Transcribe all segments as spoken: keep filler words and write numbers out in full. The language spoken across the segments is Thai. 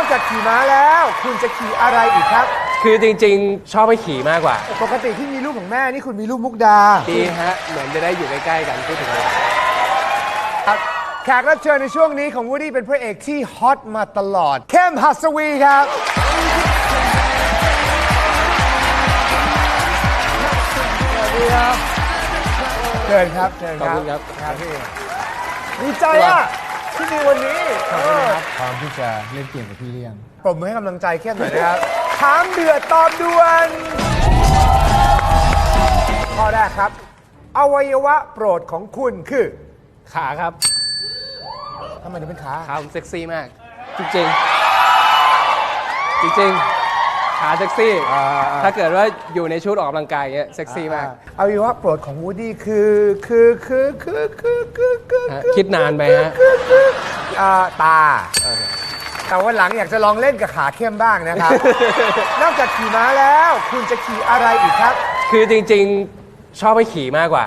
จากขี่ม้าแล้วคุณจะขี่อะไรอีกครับคือจริงๆชอบให้ขี่มากกว่าปกติที่มีรูปของแม่นี่คุณมีรูปมุกดาดีฮะเหมือนจะได้อยู่ใกล้ๆกันพูดถึงอะไรครับแขกรับเชิญในช่วงนี้ของวูดดี้เป็นพระเอกที่ฮอตมาตลอดเข้มหัสวีครับเชิญครับเชิญครับขอบคุณครับครับพี่ดีใจอ่ะที่มีวันนี้ขอบคุณครับพร้อมที่จะเล่นเกมกับพี่เลี้ยงปรบมือให้กำลังใจเข้มหน่อยนะครับถามเดือดตอบด่วนข้อแรกครับอวัยวะโปรดของคุณคือขาครับทำไมถึงเป็นขาขาผมเซ็กซี่มากจริงๆจริงๆขาเซ็กซี่ถ้าเกิดว่าอยู่ในชุดออกกำลังกายเงี้ยเซ็กซี่มากอวัยวะโปรดของวูดดี้คือคือคือคือคือคือคือคิดนานไปฮะตาแต่วันหลังอยากจะลองเล่นกับขาเข้มบ้างนะครับนอกจากขี่ม้าแล้วคุณจะขี่อะไรอีกครับคือจริงๆชอบให้ขี่มากกว่า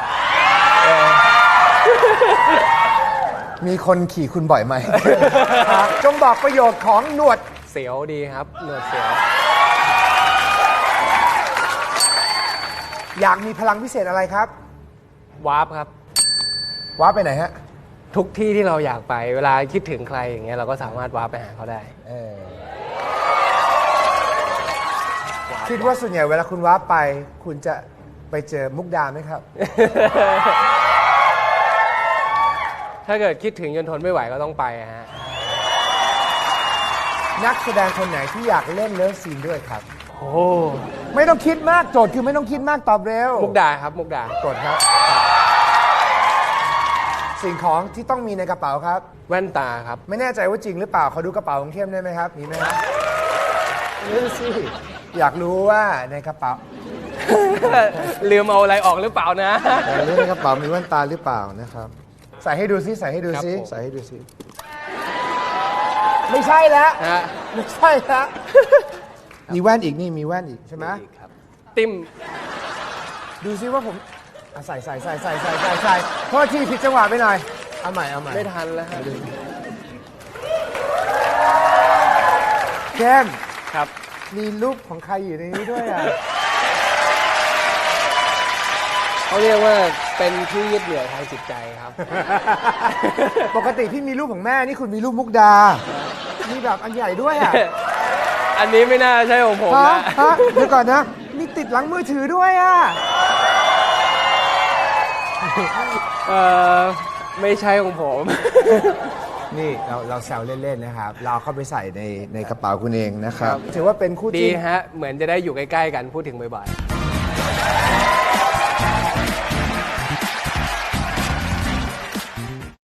มีคนขี่คุณบ่อยไหม จงบอกประโยชน์ของหนวดเสียวดีครับหนวดเสียวอยากมีพลังพิเศษอะไรครับวาร์ปครับวาร์ปไปไหนฮะทุกที่ที่เราอยากไปเวลาคิดถึงใครอย่างเงี้ยเราก็สามารถวาร์ปไปหาเขาได้คิดว่าส่วนใหญ่เวลาคุณวาร์ปไปคุณจะไปเจอมุกดาไหมครับถ้าเกิดคิดถึงจนทนไม่ไหวก็ต้องไปฮะนักแสดงคนไหนที่อยากเล่นเลิฟซีนด้วยครับโอ้ไม่ต้องคิดมากโจทย์คือไม่ต้องคิดมากตอบเร็วมุกดาครับมุกดากดครับสิ่งของที่ต้องมีในกระเป๋าครับแว่นตาครับไม่แน่ใจว่าจริงหรือเปล่าเขาดูกระเป๋าของเข้มได้ไหมครับมีไหมครับนี่สิอยากรู้ว่าในกระเป๋าลืมเอาอะไรออกหรือเปล่านะอยากรู้ในกระเป๋ามีแว่นตาหรือเปล่านะครับใส่ให้ดูซิใส่ให้ดูซิใส่ให้ดูซิไม่ใช่แล้วไม่ใช่แล้วมีแว่นอีกนี่มีแว่นอีกใช่ไหมติ้มดูซิว่าผมใส่ใส่ใส่ใส่ใส่ใส่ใส่โทษทีผิดจังหวะไปหน่อยเอาใหม่เอาใหม่ไม่ทันแล้วครับเข้มครับมีรูปของใครอยู่ในนี้ด้วยอ่ะเขาเรียกว่าเป็นที่ยึดเหนี่ยวทางจิตใจครับปกติที่มีรูปของแม่นี่คุณมีรูปมุกดามีแบบอันใหญ่ด้วยอ่ะอันนี้ไม่น่าใช่ของผมนะเดี๋ยวก่อนนะมีติดหลังมือถือด้วยอ่ะเออไม่ใช่ของผมนี่เราเราแซวเล่นๆนะครับเราเข้าไปใส่ในในกระเป๋าคุณเองนะครับถือว่าเป็นคู่ดีฮะเหมือนจะได้อยู่ใกล้ๆกันพูดถึงบ่อยๆ